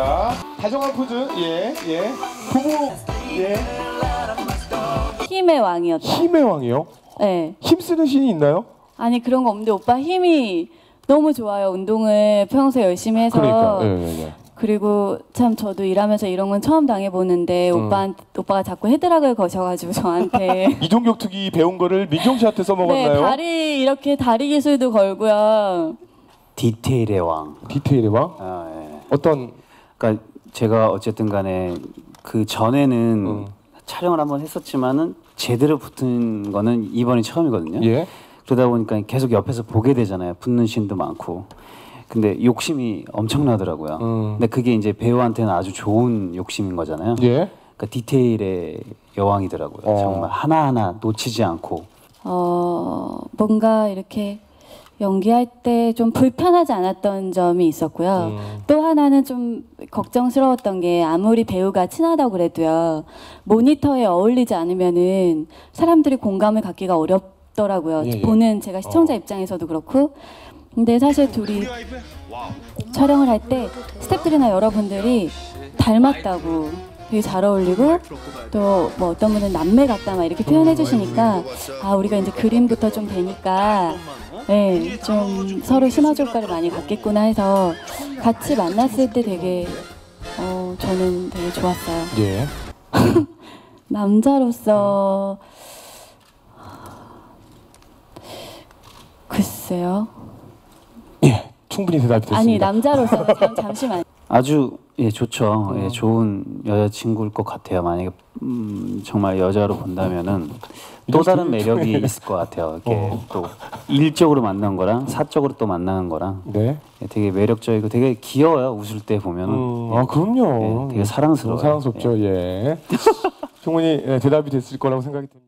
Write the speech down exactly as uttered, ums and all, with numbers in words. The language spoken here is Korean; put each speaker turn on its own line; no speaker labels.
자, 다정한 포즈. 예, 예. 부부. 예.
힘의 왕이었다.
힘의 왕이요?
네.
힘쓰는 신이 있나요?
아니 그런 거 없는데 오빠 힘이 너무 좋아요. 운동을 평소에 열심히 해서.
그러니까. 예, 예, 예.
그리고 참 저도 일하면서 이런 건 처음 당해보는데
음.
오빠 오빠가 자꾸 헤드락을 거셔가지고 저한테
이종격 투기 배운 거를 민종 씨한테 써먹었나요?
네, 다리 이렇게 다리 기술도 걸고요.
디테일의 왕.
디테일의 왕?
아, 예.
어떤?
그러니까 제가 어쨌든 간에 그 전에는
음.
촬영을 한번 했었지만은 제대로 붙은 거는 이번이 처음이거든요.
예.
그러다 보니까 계속 옆에서 보게 되잖아요. 붙는 씬도 많고. 근데 욕심이 엄청나더라고요.
음.
근데 그게 이제 배우한테는 아주 좋은 욕심인 거잖아요.
예.
그러니까 디테일의 여왕이더라고요.
어.
정말 하나하나 놓치지 않고.
어 뭔가 이렇게 연기할 때 좀 불편하지 않았던 점이 있었고요.
음.
또 하나는 좀 걱정스러웠던 게 아무리 배우가 친하다고 그래도요. 모니터에 어울리지 않으면은 사람들이 공감을 갖기가 어렵더라고요.
예, 예.
보는 제가 시청자
어.
입장에서도 그렇고. 근데 사실 둘이 촬영을 할 때 스태프들이나 여러분들이 닮았다고 되게 잘 어울리고 또 뭐 어떤 분은 남매 같다 막 이렇게 표현해 주시니까 아 우리가 이제 그림부터 좀 되니까 네, 좀 서로 시너지 효과를 많이 갖겠구나 해서 같이 만났을 때 되게 어 저는 되게 좋았어요.
예.
남자로서 글쎄요.
예. 충분히 대답이 됐습니다.
아니 남자로서 잠, 잠시만.
아주 예 좋죠.
음.
예, 좋은 여자친구일 것 같아요. 만약에 음, 정말 여자로 본다면은 또 다른 매력이 있을 것 같아요. 이렇게
어.
또 일적으로 만난 거랑 사적으로 또 만나는 거랑
네.
예, 되게 매력적이고 되게 귀여워요. 웃을 때 보면은.
음,
예.
아 그럼요.
예, 되게 사랑스러워요.
사랑스럽죠. 예. 충분히 예, 대답이 됐을 거라고 생각이 듭니다.